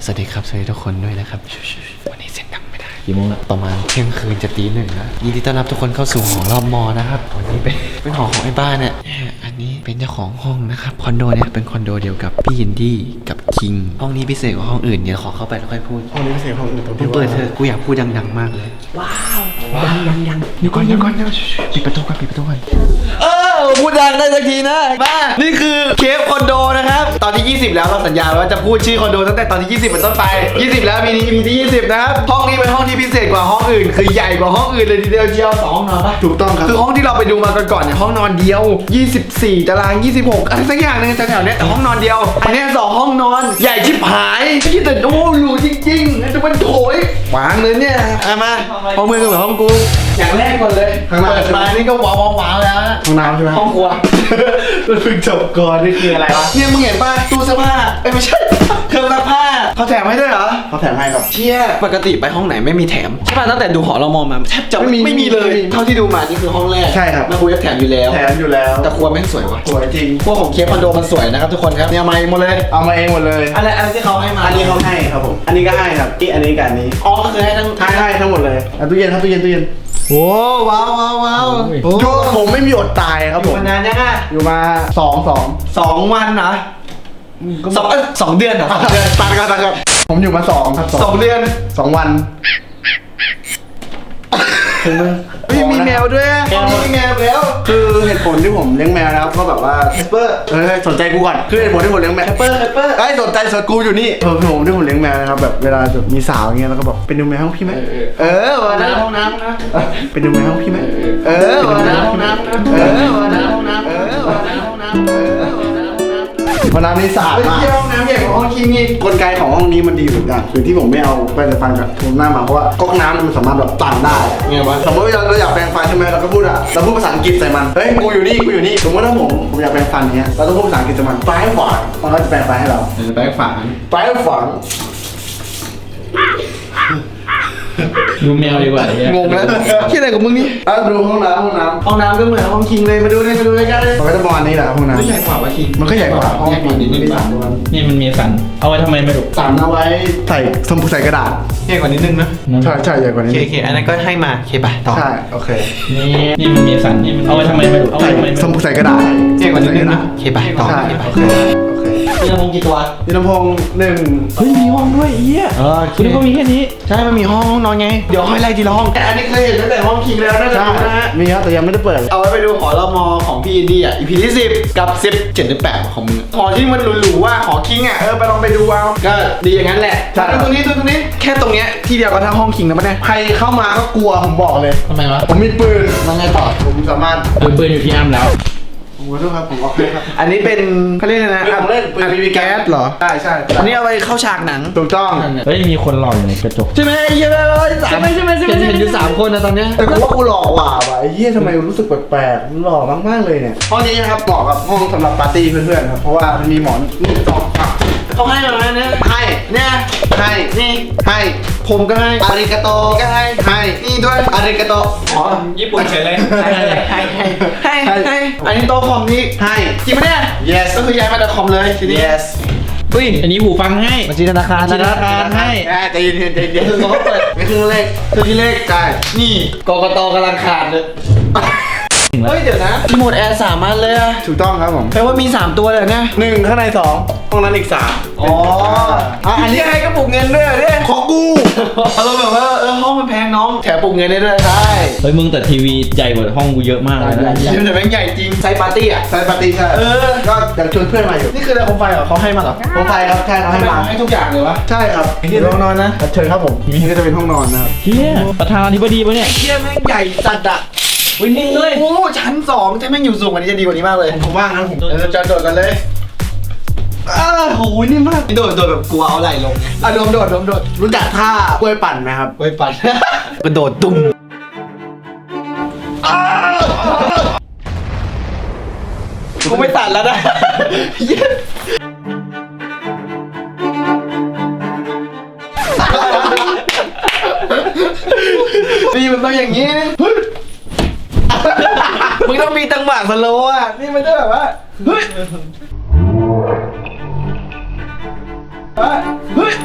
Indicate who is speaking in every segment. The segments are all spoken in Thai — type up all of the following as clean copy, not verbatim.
Speaker 1: วัสดีครับสวัสดีทุกคนด้วยนะครับวันนี้เสียงดังไม่ได้
Speaker 2: กี่โมงละ
Speaker 1: ประมาณเที่ยงคืนจะตีหนึ่งแล้วยินดีต้อนรับทุกคนเข้าสู่หอรอบมอนะครับวันนี้เป็นหอของไอ้บ้านเนี่ยอันนี้เป็นเจ้าของห้องนะครับคอนโดเนี่ยเป็นคอนโดเดียวกับพี่ยินดี้กับคิงห้องนี้พิเศษกว่าห้องอื่นเดี๋ยวขอเข้าไปแล้วค่อยพูด
Speaker 3: ห้องนี้ไม่ใช่ห้องอื่นตรง
Speaker 1: มึ
Speaker 3: ที่
Speaker 1: ง
Speaker 3: ว่า
Speaker 1: เปิดเถอะกูอยากพูดดังๆมากเลยว้าวยังเดี๋ยวก่อนเดี๋ยวปิดประตูก่อนพูดดังได้สักทีนะบ้านี่คือเคฟคอนโดนะครับตอนที่20แล้วเราสัญญาว่าจะพูดชื่อคอนโดตั้งแต่ตอนที่20เป็นต้นไป20แล้วมีนี้ EP ที่20นะครับห้องนี้เป็นห้องที่พิเศษกว่าห้องอื่นคือใหญ่กว่าห้องอื่นเลยทีเดียวเชียว2ห้องนอนปะ
Speaker 3: ถูกต้องครับ
Speaker 1: คือห้องที่เราไปดูมาก่อนเนี่ยห้องนอนเดียว24ตาราง26อะไรสักอย่างนึงแถวๆเนี้ยแต่ห้องนอนเดียวอันเนี้ย2ห้องนอนใหญ่ชิบหายที่แต่โอ้หรูจริงๆแล้วจะมันโถยวางเลยเนี่ยมาห้องมือก็เหมือนห้องกูอย่างแรกก่อนเลย
Speaker 3: ข้างหน้า
Speaker 1: เปิดมานี่ก็ว้าวแล้วนะ
Speaker 3: ห้องน้ำใช่ไหม
Speaker 1: ห้องครัว
Speaker 3: มันเพิ่งจบก่อนนี่คืออะไรวะ
Speaker 1: เนี่ยมึงเห็นป่ะตู้เสื้อผ้าไม่ใช่เครื่องซักผ้าเขาแถมให้ด้วยเหรอ
Speaker 3: เขาแถมให้ครับ
Speaker 1: เชี่ยปกติไปห้องไหนไม่มีแถมใช่ป่ะตั้งแต่ดูหอเรามองมาแทบจะ
Speaker 3: ไม่มี
Speaker 1: เลย
Speaker 3: ไม่มี
Speaker 1: เท่าที่ดูมานี่คือห้องแรก
Speaker 3: ใช่ครับ
Speaker 1: แล้วคุยแถมอยู่แล้ว
Speaker 3: แถมอยู่แล้ว
Speaker 1: แต่ครัวแม่งสวยว่ะ
Speaker 3: สวยจริง
Speaker 1: ครัวของเคฟคอนโดมันสวยนะครับทุกคนครับเนี่ยเอามาเองหมดเลย
Speaker 3: เอามาเองหมดเลย
Speaker 1: อะไรที่เขาให้มา
Speaker 3: อันนี้เขาให้ครับผม อันนี้ก็ให้ครับอันนี้กับอันนี้
Speaker 1: อ๋อก็คือให้ทั้ง
Speaker 3: ให้ทั้งหมดเลยตู้เย็นครับตู้เย็น
Speaker 1: โอ้ว้าวโอ้
Speaker 3: อยู่ผมไม่มีอดตายครับผม
Speaker 1: มานานยังอ่ะ
Speaker 3: อยู่มา2
Speaker 1: 2 วันนะสองเดือนเหรอ2 เดือน
Speaker 3: ตัดกันผมอยู่มา2ครับ
Speaker 1: 2 เดือน
Speaker 3: 2 วันถึงมึง
Speaker 1: มีแมวด้วยห้องนี้มีแมวแล้ว
Speaker 3: คือเหตุผลที่ผมเลี้ยงแมวนะครับก็แบบว่า
Speaker 1: เปอร์
Speaker 3: สนใจกูก่อนคือเหตุผลที่ผมเลี้ยงแมว
Speaker 1: เปอร์
Speaker 3: ไอ้สนใจสดกูอยู่นี่ผมที่ผมเลี้ยงแมวนะครับแบบเวลาแบบมีสาวอย่างเงี้ยแล้วก็บอกเป็นดูแมวห้องพี่ไหมวันนั้น
Speaker 1: ห้องน้ำนะ
Speaker 3: เป็นดูแมวห้องพี่ไหม
Speaker 1: วันนั้นห้องน้ำนะ
Speaker 3: วันนั้นห้องน้ำวันนั้นนี่สะอาดมาก
Speaker 1: ห้องน้ำใหญ่กว่าห้องคิงอีก
Speaker 3: กลไกของห้องนี้มันดีอยู่อย่างคือที่ผมไม่เอาแปรงฟันกับผมหน้ามาเพราะว่าก๊อกน้ำมันสามารถแบบตันได้ไงวะสมมติเราอยากแปรงฟันใช่ไหมเราก็พูดเราพูดภาษาอังกฤษใส่มันเฮ้ยกูอยู่นี่สมมติถ้าผมอยากแปรงฟันเนี้ยเราต้องพูดภาษาอังกฤษใส่มันปลายขวานมันก็จะแปรงฟันให้เรา
Speaker 1: แบงค์ฝาง
Speaker 3: ปลายขวาน
Speaker 2: ดูแมวดีกว่าเนี่ย
Speaker 1: งงแล้วคิดอะไรกับมึงนี่
Speaker 3: ดูห้องน้ำ
Speaker 1: ห้องน้ำก็เหมือนห้องคิงเลยมาดูเลยกันเลย
Speaker 3: มันก็จะประมาณนี้แหละห้องน้ำ
Speaker 1: ไม่ใหญ่กว่าวะคิง
Speaker 3: มันก็ใหญ่กว่าห้อง
Speaker 1: ใหญ่กว่านิดนึง
Speaker 3: สามตัว
Speaker 2: นี่มันมีสัน เอาไว้ทำไมไม่รู้
Speaker 3: สามเอาไว้ใส่สมุดใส่กระดาษ
Speaker 1: ใหญ่กว่านิดนึงนะ
Speaker 3: ใช่ใหญ่กว่านี้
Speaker 1: โอเคอันนั้นก็ให้มาโอเคป่ะต่อ
Speaker 3: ใช่โอเค
Speaker 2: นี่มันมีสันนี่มันเอาไว้ทำไมไม่รู้เอาไว้
Speaker 3: ใส่
Speaker 2: ทำไมไม่
Speaker 3: ส
Speaker 2: รู้
Speaker 3: มุดใส่กระดาษ
Speaker 1: ใหญ่กว่านิดนึงนะโอเคป่ะต่อ
Speaker 3: ใช่
Speaker 1: โอเค
Speaker 3: โอ
Speaker 1: ป่ะ
Speaker 3: เค
Speaker 1: มีลำโพงกี่ตัว
Speaker 3: มีลำโพง1
Speaker 2: เฮ้ยมีห้องด้วยเหี้ยคุณนึกว่ามีแค่นี้
Speaker 1: ใช่มันมีห้องนอนไงเดี๋ยวค่อยไล่ทีละห้องอันนี้เคยเห็นตั้งแต่ห้องคิงแล้วน่าจะ
Speaker 3: ใช่
Speaker 1: รู้นะฮะ
Speaker 3: มีครับแต่ยังไม่ได้เปิด
Speaker 1: เอาไว้ไปดูหอรมอของพี่อินดี้อ่ะ EP ที่10กับ10 7หรือ8ของมึงหอที่มันหรูๆว่าหอคิงอ่ะไปลองไปดูเอาก็ดีอย่างนั้นแหละ
Speaker 3: ใช่
Speaker 1: ตรงนี้แค่ตรงเนี้ยที่เดียวกับทั้งห้องคิงนะมันเนี่ย
Speaker 3: ใครเข้ามาก็กลัวผมบอกเลย
Speaker 2: ทำไมวะ
Speaker 3: ผมมีปืน
Speaker 1: มันไงต่อ
Speaker 3: ผมสามารถ
Speaker 2: ปืนอยู่ที่อ้ำแล้ว
Speaker 3: ผมขอโทษครับผมออกให้ครับ
Speaker 1: อันนี้เป็นเขาเรียกอะไรนะ
Speaker 3: ปืนของเล่นปืน
Speaker 1: มีแก๊สเหรอ
Speaker 3: ใช่ใช่
Speaker 1: อันนี้เอาไปเข้าฉากหนัง
Speaker 3: ถูกต้อง
Speaker 2: เฮ้ยมีคนหล่ออยู่ในกระจก
Speaker 1: ใช่ไหมเยอะเลยใช่ไหมเห็นอยู่3 คนนะตอนเนี้ย
Speaker 3: แต่กูว่ากูหล่อกว่าว่ะไอ้เหี้ยทำไมรู้สึกแปลกๆมันหล่อมากๆเลยเนี่ยห้องนี้นะครับเหมาะกับห้องสำหรับปาร์ตี้เพื่อนๆครับเพราะว่ามันมีหมอนนี่2
Speaker 1: เขาให้มาแล้วเนี่ย
Speaker 3: ให้
Speaker 1: เนี่ย
Speaker 3: ให้
Speaker 1: นี่
Speaker 3: ให้
Speaker 1: ผมก็ให้
Speaker 3: อาริกาโต
Speaker 1: ก็ให้
Speaker 3: ให้
Speaker 1: นี่ด้วย
Speaker 3: อาริกาโต
Speaker 1: อ๋อ
Speaker 2: ญี่ปุ่นเฉยเลย
Speaker 1: ให้อันนี้โต๊ะคอมนี้
Speaker 3: ให้
Speaker 1: จริงปะเนี่ย
Speaker 3: yes
Speaker 1: ก็คือย้ายมาจากคอมเลยทีนี้
Speaker 3: yes
Speaker 2: เฮ้ยอันนี้หูฟังให้
Speaker 1: บัญชีธนาคาร
Speaker 2: บัญชีธนาคารให้
Speaker 3: ใจเย็นใจเย็น
Speaker 1: คือเขาเปิด
Speaker 3: ไม่คือเลข
Speaker 1: คือที่เลข
Speaker 3: ใช่
Speaker 1: นี่กกตกำลังขาดเลยเฮ้ยเดี๋ยวนะรีโมทแอร์3 อันเลยอะ
Speaker 3: ถูกต้องครับผม
Speaker 1: แปลว่ามี3 ตัวเลยเนี่ย
Speaker 3: 1ข้างใน2ห้องนั้นอีก3
Speaker 1: อ๋ออันนี้ให้ก็ปลุกเงินด้วยเหรอเนี่ย
Speaker 3: ของกู
Speaker 1: เราแบบว่าห้องมันแพงน้องแถมปลุกเงินได้ด้วยใช่
Speaker 2: เฮ้ยมึงแต่ทีวีใหญ่กว่าห้องกูเยอะมากเลยนะ
Speaker 1: ยิ่งแต่แม่งใหญ่จริงไซส์ปาร์ตี้อ่ะ
Speaker 3: ใส่ปาร์ตี้ใช่ก็อยากชวนเพื่อนมาอยู่
Speaker 1: นี่คืออะไรโคมไฟเหรอเขาให้มาเหรอ
Speaker 3: ผมไปครับใช่เขาให้มา
Speaker 1: ให้ทุกอย่างเลยวะ
Speaker 3: ใช่ครับ
Speaker 1: เดี๋ยวลองนอนนะ
Speaker 3: เชิญครับผมนี่ก็จะเป็นห้องนอนนะครับ
Speaker 2: เฮียประธานาธิบดีปะเนี่ย
Speaker 1: เชี่ยแม่งใหญ่จัดอะ
Speaker 2: วินนิ่งเลย
Speaker 1: โอ้ชั้น2ถ้าแม่งอยู่สูงกว่านี้จะดีกว่านี้มากเลย
Speaker 3: ผมว่างนะผม
Speaker 1: จะโดดกันเลยโหนี่มากโดดแบบกลัวเอาไหล่ลงอ่ะโดด
Speaker 3: รู้จักท่ากล้วยปั่นไหมครับ
Speaker 1: ไว้ปั่นกระโดดตุ้มกูไม่ตัดแล้วนะนี่มันต้องอย่างนี้นะมึงต้องมีจังหวะสโลว์อ่ะนี่มันจะแบบว่าเฮ้ย
Speaker 3: เฮ้ย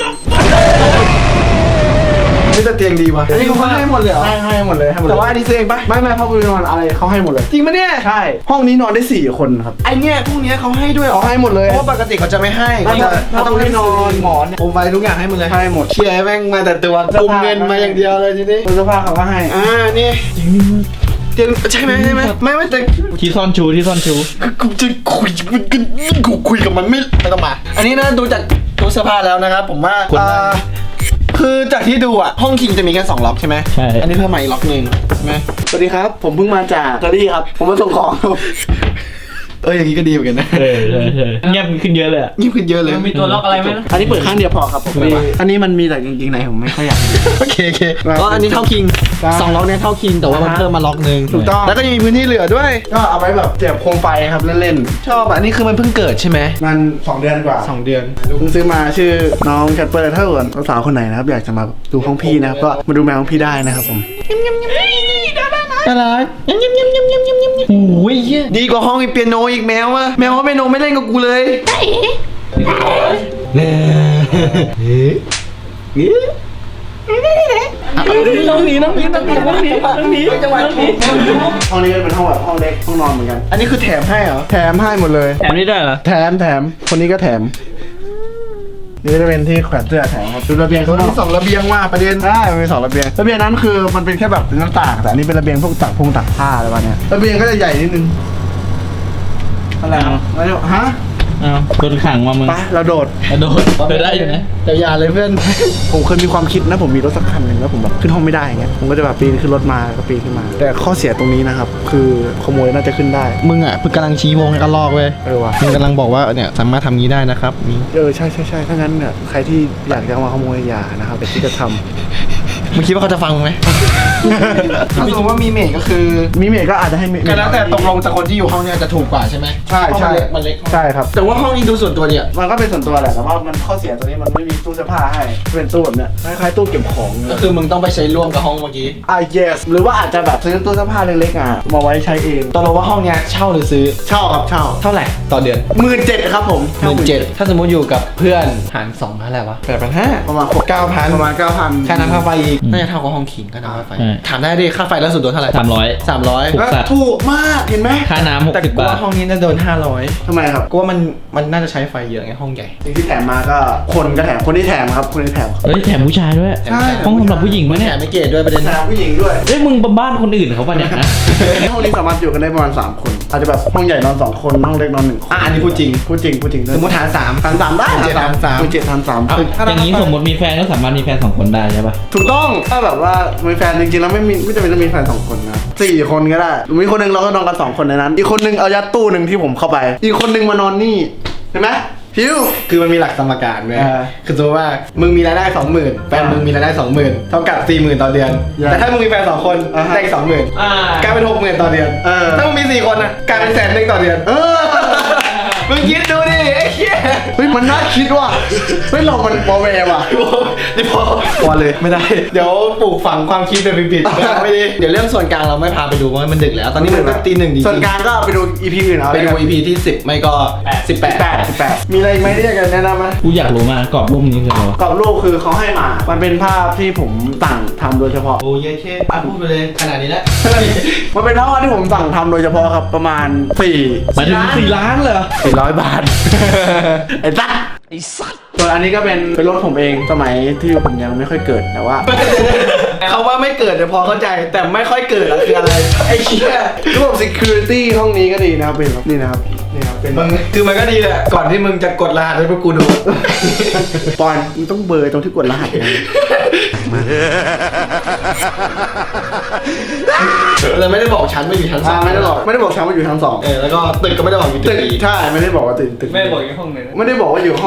Speaker 3: นี่จะเตียงดีวะอันนี้เขาให้หมดเลยเหรอให้หมดเลยให้หมดเลยแต่ว่าอันนี้ซื้อเองปะไม่พ่อกูนอนอะไรเขาให้หมดเลย
Speaker 1: จริงปะเนี่ย
Speaker 3: ใช่ห้องนี้นอนได้4 คนครับ
Speaker 1: ไอเนี่ยพวกเนี้ยเขาให้ด้วยเหรอ
Speaker 3: เขาให้หมดเลย
Speaker 1: เพราะว่าปกติเขาจะไม่ให้
Speaker 3: เขาต้องให้นอนหมอน
Speaker 1: ผมไฟทุกอย่างให้หมดเลย
Speaker 3: ให้หมด
Speaker 1: เชียร์แม่งมาแต่ตัวกุมเงินมาอย่างเดียวเลยทีนี้
Speaker 3: เสื้อผ้าเขาก็ให้
Speaker 1: นี่เตียงใช่ไหมไม่แต่
Speaker 2: ที่ซ่อนชู
Speaker 1: กูจะคุยกับมันไม่ต้องมา อันนี้นะดูจากตู้เสื้อผ้าแล้วนะครับผมว่าคือจากที่ดูอ่ะห้องคิงจะมีแค่2ล็อกใช่ไหม
Speaker 2: ใช่
Speaker 1: อันนี้เพิ่มมาอีกล็อกนึงใช่ไหม
Speaker 3: สวัสดีครับ ผมเพิ่งมาจากอิตาลีครับ ผมมาส่งของครับ
Speaker 1: อย่างนี้ก็ดีเหมือนกันนะ
Speaker 2: ใช่เงียบขึ้นเยอะเลยอะ
Speaker 1: ยิ่งขึ้นเยอะเลย
Speaker 2: มีตัวล็อกอะไรไหม
Speaker 3: อันนี้เปิดข้างเดียวพอครับผมอันนี้มันมีแต่จริงๆไหนผมไม่ค่อยอยาก
Speaker 1: โอเคก็อันนี้เท่าคิง
Speaker 3: ครับ
Speaker 1: 2ล็อกเนี้ยเท่าคิงแต่ว่ามันเพิ่มมาล็อกนึง
Speaker 3: ถูกต้อง
Speaker 1: แล้วก็ยังมีพื้นที่เหลือด้วย
Speaker 3: ก็เอาไว้แบบเสียบโคมไฟครับเล่น
Speaker 1: ชอบอ่ะอันนี้คือมันเพิ่งเกิดใช่ไหม
Speaker 3: ๆมัน2 เดือนกว่า
Speaker 1: 2 เดือน
Speaker 3: เพิ่งซื้อมาชื่อน้องแคทเปอร์ถ้าเกิดสาวคนไหนนะครับอยากจะมาดูห้องพี่นะครับก็มาดูแมวห้องพี่ได้นะครับผม
Speaker 1: น่ารักโอ้ยดีกว่าห้องอีเปียโนอีกแมวอะแมวว่าเปียโนไม่เล่นกับกูเลยน้องหนีจังหวะนี้
Speaker 3: ห้องนี้เป็นห้องแบบห้องเล็กห้องนอนเหมือนกัน
Speaker 1: อันนี้คือแถมให้เหรอ
Speaker 3: แถมให้หมดเลย
Speaker 2: แถมนี่ได้เหรอ
Speaker 3: แถมคนนี้ก็แถมนี่จะเป็นที่แขวนเสื้อแถมครับดูระเบียง
Speaker 1: เขา
Speaker 3: เขา
Speaker 1: มี2ระเบียงว่าประเด็น
Speaker 3: ได้มันมี2 ระเบียงระเบียงนั้นคือมันเป็นแค่แบบหน้าต่างแต่อันนี้เป็นระเบียงพวกตักผ้าอะไรวะเนี่ยระเบียงก็จะใหญ่นิดนึงอะไรแล้วฮะ
Speaker 2: อ้าวโดนขังมามึง
Speaker 3: ไปเราโดด
Speaker 2: โดนเธอได้อยู่นะ
Speaker 1: แต่อย่าเลยเพื่อน
Speaker 3: ผมเคยมีความคิดนะผมมีรถสักคันหนึ่งแล้วผมแบบขึ้นห้องไม่ได้อย่างเงี้ยผมก็จะแบบปีนขึ้นรถมาแล้วก็ปีนขึ้นมา แต่ข้อเสียตรงนี้นะครับคือขโมยน่าจะขึ้นได้
Speaker 1: มึงอ่ะกำลังชี้วงให้กันลอกเว้ย
Speaker 3: ว่ะ
Speaker 1: มึงกำลังบอกว่าเนี่ยสามารถทำงี้ได้นะครับนี่
Speaker 3: ใช่ถ้างั้นเนี่ยใครที่อยากจะมาขโมยอย่านะครับแต่ที่จะทำ
Speaker 1: มึงคิดว่าเขาจะฟังไหม ถ้าสมมติว่ามีเมดก็คือ
Speaker 3: มีเมย์ก็อาจจะให้เมย์
Speaker 1: ก็แล้วแต่ตกลงจากคนที่อยู่ห้องเนี้ยจะถูกกว่าใช่ไหม
Speaker 3: ใช่
Speaker 1: เพราะมันเล็ก
Speaker 3: ใช่ครับ
Speaker 1: แต่ว่าห้องนี้ดูส่วนตัวเนี่ย
Speaker 3: มันก็เป็นส่วนตัวแหละแต่ว่ามันข้อเสียตัวนี้มันไม่มีตู้เสื้อผ้าให้เป็นตู้แบบเนี้ยคล้ายๆตู้เก็บของ
Speaker 1: ก็คือมึงต้องไปใช้ร่วมกับห้องเมื่อกี้
Speaker 3: yes หรือว่าอาจจะแบบซื้อตู้เสื้อผ้าเล็กๆมาไว้ใช้เอง
Speaker 1: ตกลงว่าห้องเนี้ยเช่าหรือซื้อ
Speaker 3: เช่าครับเช่า
Speaker 1: เท่าไหร่ต่อเดือน
Speaker 3: 17,000ครับผม
Speaker 1: 17,000ถ้าสมมติอยู่กับเพื่อนหาร2เท่าไหร่วะ8,500
Speaker 3: ประมาณ
Speaker 1: 9,000
Speaker 3: ประมาณ 9,000
Speaker 1: ค่าน้ำค่าไฟอีกน่าจะเท่ากับห้องคิงค่าน้ำค่าไฟถามได้ดิค่าไฟแล้วสุดโดนเท่าไหร่
Speaker 2: 300
Speaker 1: 300
Speaker 2: ถูกสัตว์
Speaker 3: ถูกมากเห็นไหม
Speaker 2: ค่าน้ำ
Speaker 1: แต่
Speaker 2: 60
Speaker 1: กู
Speaker 2: บาท
Speaker 1: ว่าห้องนี้น่าจะโดน500
Speaker 3: ทำไมครับ
Speaker 1: กูว่ามันน่าจะใช้ไฟเยอะไงห้องใหญ่
Speaker 3: สิ่งที่แถมมาก็คนก็แถมคนที่แถมครับคนที่แถม
Speaker 2: เฮ้ยแถมผู้ชายด้วย
Speaker 3: ใช่
Speaker 2: ห้องสำหรับผู้หญิงมั้ย
Speaker 1: แถ
Speaker 2: เนี่ย
Speaker 1: มไม่เกตด้วยประเด็น
Speaker 3: แถมผู้หญิงด้วย
Speaker 2: เฮ้ยมึงบ้านคนอื่นเขาป่ะเนี่ยนะ
Speaker 3: ห้องนี้สามารถอยู่กันได้ประมาณ3 คนอาจจะแบบห้องใหญ่นอน2 คนห้องเล็กนอน1 คน
Speaker 1: อันนี้พูดจริง
Speaker 3: พูดจริง
Speaker 1: สมมติหาร3
Speaker 3: หาร3ได้
Speaker 1: 7หาร3
Speaker 3: คือ7 หาร 3
Speaker 2: เอาอย่างนี้สมมติมีแฟนก็สามารถมีแฟน2 คนได้ใช่ป่ะ
Speaker 3: ถูกต้องถ้าแบบว่ามีแฟนจริงๆแล้วไม่จำเป็นต้องมีแฟน2 คนนะ4 คนก็ได้มีคนหนึงเราก็นอนกัน2 คนในนั้น อีกคนหนึงเอายัดตู้หนึ่งที่ผมเข้าไป อีกคนหนึงมานอนนี่เห็นไหมพิว
Speaker 1: คือมันมีหลักสมการเว้ย
Speaker 3: อ่า
Speaker 1: คือสมมติว่ามึงมีรายได้ 20,000แฟนมึงมีรายได้ 20,000เท่ากับ 40,000 ต่อเดือน
Speaker 3: Yeah.
Speaker 1: แต่ถ้ามึงมีแฟน2 คน
Speaker 3: อ่าฮะ
Speaker 1: ได้อีก 20,000กลายเป็น 60,000 ต่อเดือน ถ้ามึงมี4 คนนะกลายเป็น100,000ต่อเดือน มึงคิดดูดิไอ้เหี้ย
Speaker 3: เฮ้ยมันน่าคิดว่ะเฮ้ยเรามันบอแวร์ว่ะ
Speaker 1: นี่พอเลยไม่ได้ เดี๋ยวปลูกฝังความคิดแบบผิดๆไม่ดีเดี๋ยวเรื่องส่วนกลางเราไม่พาไปดูเพราะมันดึกแล้ว ตอนนี้มันตี 1ดี
Speaker 3: ส่วนกลางก็ไปดู EP อื่นเอา
Speaker 1: ไปดู EP ที่ 10 ไม่ก็ 18
Speaker 3: มีอะไรอีกไหมที่อยากจะแนะนำไหม
Speaker 2: กูอยากรู้มากกรอบรูปนี้คืออะไรวะ
Speaker 3: กรอบรูปคือเขาให้มา มันเป็นภาพที่ผมสั่งทำโดยเฉพาะ
Speaker 1: โอ้ยเช่พูดไปเลยขนาดนี้แล้ว
Speaker 3: มันเป็นภาพที่ผมสั่งทำโดยเฉพาะครับประมาณ
Speaker 2: หมายถึง4 ล้านเหรอ
Speaker 3: 400 บาท ไอ้สัสส่วนอันนี้ก็เป็นรถผมเองสมัยที่ผมยังไม่ค่อยเกิดแต่ว่า
Speaker 1: เขาว่าไม่เกิดแต่พอเข้าใจแต่ไม่ค่อยเกิดอะคืออะไรไอ้เหี้ย
Speaker 3: ระบบ security ห้องนี้ก็ดีนะครับเป็นแบบนี่นะครับเป็น
Speaker 1: มึงคือมันก็ดีแหละก่อนที่มึงจะกดรหัสให้พวกกูดู
Speaker 3: ปอนมึงต้องเบอร์ตรงที่กดรหัสนะ
Speaker 1: เราไม่ได้บอกชั้นว่าอยู่ชั้น 3
Speaker 3: ไม่ได้บอกชั้นว่าอยู่ชั้น 2
Speaker 1: แล้วก็ตึกก็ไม่ได้บอกอยู่ตึ
Speaker 3: ตึ
Speaker 1: ก
Speaker 3: ก
Speaker 1: อีก
Speaker 3: ใช่ไม่ได้บอกว่าตึก
Speaker 2: ไม่บอกอยู่ห้องไหน
Speaker 3: ไม่ได้บอกว่าอยู่ห้อง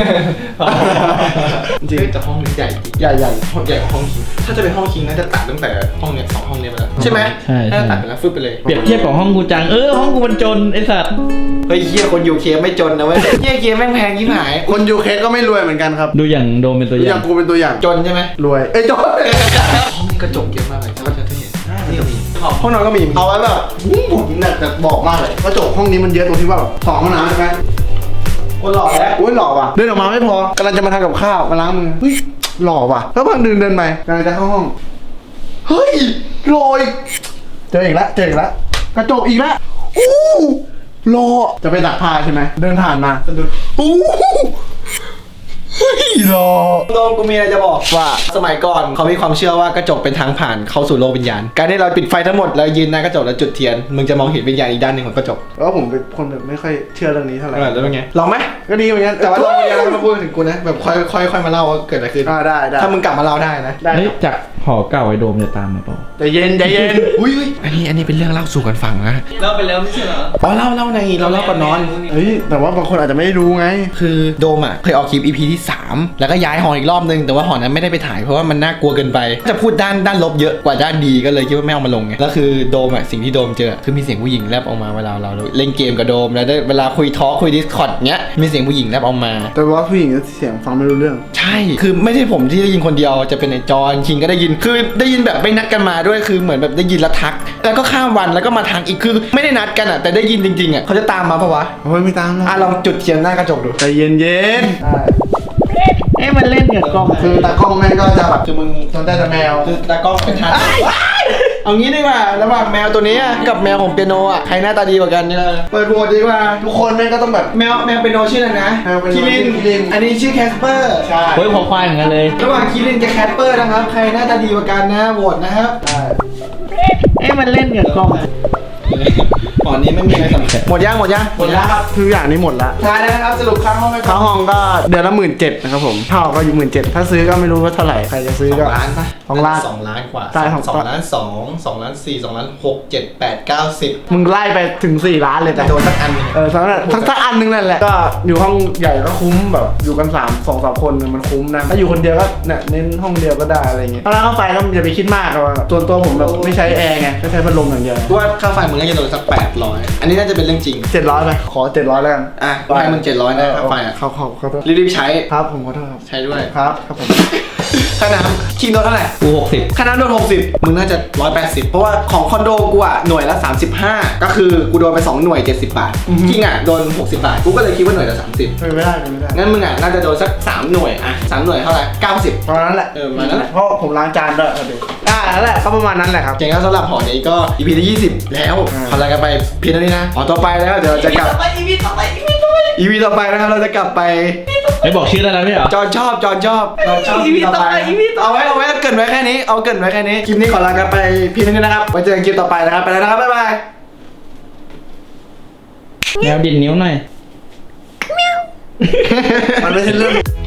Speaker 1: จริงแต่ห้องนี้ใหญ่จริง
Speaker 3: ใหญ่
Speaker 1: ห้องใหญ่กว่าห้องคิงถ้าจะเป็นห้องคิงน่าจะตัดตั้งแต่ห้องเนี้ย2 ห้องเนี้ยไปแล้วใช่ไหม
Speaker 2: ใช่
Speaker 1: น่าจะตัดไปแล้วฟึบไปเลย
Speaker 2: เปรียบเทียบกับห้องกูจังห้องกูมันจนไอ้สัตว์
Speaker 1: เฮ้ยเฮียคนอยู่เคไม่จนนะเว้ยเฮียเคแม่งแพงยิ่งหาย
Speaker 3: คนยูเคก็ไม่รวยเหมือนกันครับ
Speaker 2: ดูอย่างโดมเป็นตัวอา
Speaker 3: อย่ย่าง งกูเป็นตัวอย่าง
Speaker 1: จนใช่ไหม
Speaker 3: รวยจบ
Speaker 1: ห้องนี้กระจกเยอะมากเลยถ้าเราจะเห็นนี่ก็มีห้องนอนก็มี
Speaker 3: เอาไว้แบบผมเนี่ยจะบอกมากเลยกระจกห้องนี้มันเยอะตรงที่ว่าแบบ2 ห้องน้ำใช่ไหม
Speaker 1: โอ้หล่อแล้ว
Speaker 3: โอ้ยหล่อว่ะเดินออกมาไม่พอกำลังจะมาทำกับข้าวมาล้างมือเฮ้ยหล่อว่ะแล้วพังเดินไปกำลังจะเข้าห้องเฮ้ยหล่ออีกเจออีกแล้วกระจกอีกแล้วอู้หล่อจะไปตักผ้าใช่ไหมเดินผ่านมาสะดุดอู้เฮ้ยหล่อ
Speaker 1: โดมกูมีอะไรจะบอก
Speaker 3: ว่า
Speaker 1: สมัยก่อนเขามีความเชื่อว่ากระจกเป็นทางผ่านเข้าสู่โลกวิญญาณการที่เราปิดไฟทั้งหมดแล้วยืนหน้ากระจกแล้วจุดเทียนมึงจะมองเห็นวิญญาณอีกด้านหนึ่งของกระจก
Speaker 3: แล้วผมเป็นคนแบบไม่ค่อยเชื่อเรื่องนี้เท่าไหร่
Speaker 1: แล้วเป็นไงลองไหม
Speaker 3: ก็ดีเหมือนกัน
Speaker 1: แต่ว่าลองวิญญาณแล้วมาพูดถึงกูนะแบบค่อยมาเล่าว่าเกิดอะไรขึ้น
Speaker 3: ได้
Speaker 1: ถ้ามึงกลับมาเล่าได้นะ
Speaker 3: ได้
Speaker 2: เฮ้ยจากหอเก่าไอ้โดมจะตามมาเปล่า
Speaker 3: ใจเย็นอุ้ย
Speaker 1: อันนี้เป็นเรื่องเล่าสู่กันฟังนะ
Speaker 4: เล่าไปแล้วไม่ใช่เหรอ
Speaker 1: อ๋อเล่าในเราเล่าก่อนนอน
Speaker 3: เฮ้ยแต่ว่าบางคนอาจจะไม่รู้ไง
Speaker 1: คือโดมอ่ะเคยออกคลิป EP ที่ 3 แล้วก็ย้ายหออีกรอบนึงแต่ว่าหอนั้นไม่ได้ไปถ่ายเพราะว่ามันน่ากลัวเกินไปจะพูดด้านลบเยอะกว่าด้านดีก็เลยคิดว่าไม่เอามาลงไงแล้วคือโดมอ่ะสิ่งที่โดมเจอคือมีเสียงผู้หญิงแลบออกมาเวลาเราเล่นเกมกับโดมแล้วได้เวลาคุยคุย Discord เงี้ยมีเสียงผู้หญิงแลบออกมา
Speaker 3: แต่ว่าผู้หญิงเสียงฟังไม่รู้เรื่อง
Speaker 1: ใช่ คือไม่ใช่ผมที่ได้ยินคนเดียว จะเป็นไอ้จอนคิงก็ได้ยิน คือได้ยินแบบไม่นัดกันมาด้วย คือเหมือนแบบได้ยินแล้วทัก แล้วก็ข้ามวันแล้วก็มาทักอีก คือไม่ได้นัดกันอ่ะ แต่ได้ยินจริงๆอ่ะเขาจะตามมาปะวะ
Speaker 3: โอ้ยไม่ตามหรอก
Speaker 1: ลองจุดเทียนหน้ากระจกดู
Speaker 3: ใจเย็น
Speaker 4: มันเล่นกับกล้อง
Speaker 3: คือตากล้องแม่งก็จะแบบคือมึงสนใจแต่แมว
Speaker 1: คือตากล้องเป็นทางเอางี้ดีกว่า ระหว่างแมวตัวนี้กับแมวของเปียโนอ่ะ ใครหน้าตาดีกว่ากันเนี่ยเปิดโหวตดีกว่า
Speaker 3: ทุกคนแม่งก็ต้องแบบ
Speaker 1: แมวเปียโนชื่ออะไรนะ
Speaker 3: แมวเปียโน
Speaker 1: คิริน
Speaker 3: ชื่อคิริน
Speaker 1: อันนี้ชื่อแคสเปอร์
Speaker 3: ใช่
Speaker 2: เฮ้ยพอควายเหมือนกันเลย
Speaker 1: ระหว่างคิรินกับแคสเปอร์นะครับ ใครหน้าตาดีกว่ากันนะโหวตนะครับ
Speaker 4: มันเล่นกับกล้อง
Speaker 1: หอนี้ไม่มีอะไรสำคัญหมดยัง
Speaker 3: หมดแล้วครับทุกอย่างนี้หมดแล้ว
Speaker 1: ท้ายแล้วนะครับสรุปค่าห้องไป
Speaker 3: ค่าห้องก็เดือนละ17,000นะครับผมเท่าก็อยู่17,000ถ้าซื้อก็ไม่รู้ว่าเท่าไหร่ใครจะซื้อก็
Speaker 1: 2 ล้านป่ะ
Speaker 3: 2 ล้าน
Speaker 1: 2 ล้านกว่า
Speaker 3: ใช่ของ
Speaker 1: 2 ล้าน 2 ล้าน 4 2 ล้าน 6 7 8 9 10
Speaker 3: มึงไล่ไปถึง4 ล้านเลย
Speaker 1: แต่
Speaker 3: แต่
Speaker 1: โดนสักอันหนึง
Speaker 3: ทั้งอันนึงนั่นแหละก็อยู่ห้องใหญ่ก็คุ้มแบบอยู่กัน2-3 คนมันคุ้มนะถ้าอยู่คนเดียวก็เนี่ยเน้นห้องเดียวก็ได้อะไรเงี้ยถ้าร้านกาแฟก็อย่าไปคิดมากหรอกตัวผมแบบไม่ใช้แอร์ไงก็ใช้พัดลมอย่างเดียว
Speaker 1: กูว่าค่าไฟมึงน่าจะโดนสัก 800 อันนี้น่าจะเป็นเรื่องจริง
Speaker 3: 700ไปขอ700แล้วกัน
Speaker 1: อ่ะให้มึง700นะค่าไฟอ่ะ
Speaker 3: เขาขอโทษ
Speaker 1: รีบๆใช้
Speaker 3: ครับผมขอโทษครับ
Speaker 1: ใช้ด้วย
Speaker 3: ครับผม
Speaker 1: ค่าน้ำคิงโดนเท่าไหร่
Speaker 2: กู60
Speaker 1: ค่าน้ำโดน60มึงน่าจะ180เพราะว่าของคอนโดกูอ่ะหน่วยละ35ก็คือกูโดนไป2หน่วย70 บาทคิงอ่ะโดน60 บาทกูก็เลยคิดว่าหน่วยละ30
Speaker 3: ไม่ได้
Speaker 1: งั้นมึงอ่ะน่าจะโดนสัก3หน่วยอ่ะ3หน่วยเท่าไหร่90
Speaker 3: ประมาณนั้นแหละ
Speaker 1: ประมาณนั้นแหละ
Speaker 3: เพราะผมล้างจานด้วยเดี๋ยวนั่นแหละก็ประมาณนั้นแหละครับ
Speaker 1: เจ๋งครับสำหรับหอนี้ก็ EP ที่20 แล้ว
Speaker 3: อ่า
Speaker 1: ขอลากันไปเพียงเท่านี้นะอ๋อต่อไปแล้วเดี๋ยวเราจะกลับ EP ต่อไปนะครับเราจะกลับไป
Speaker 2: ไอ้บอกชื่อได้แล้วไม่เหรอ
Speaker 1: จอนชอบEP ต่อไปเอาไว้เกรินไว้แค่นี้เอาเกรินไว้แค่นี้คลิปนี้ขอลากันไปเพียงเท่านี้นะครับไว้เจอกันคลิปต่อไปนะครับไปแล้วนะครับบ๊ายบาย
Speaker 2: แมวดินนิ้วหน่อย
Speaker 3: มันไม่ใช่เรื่อง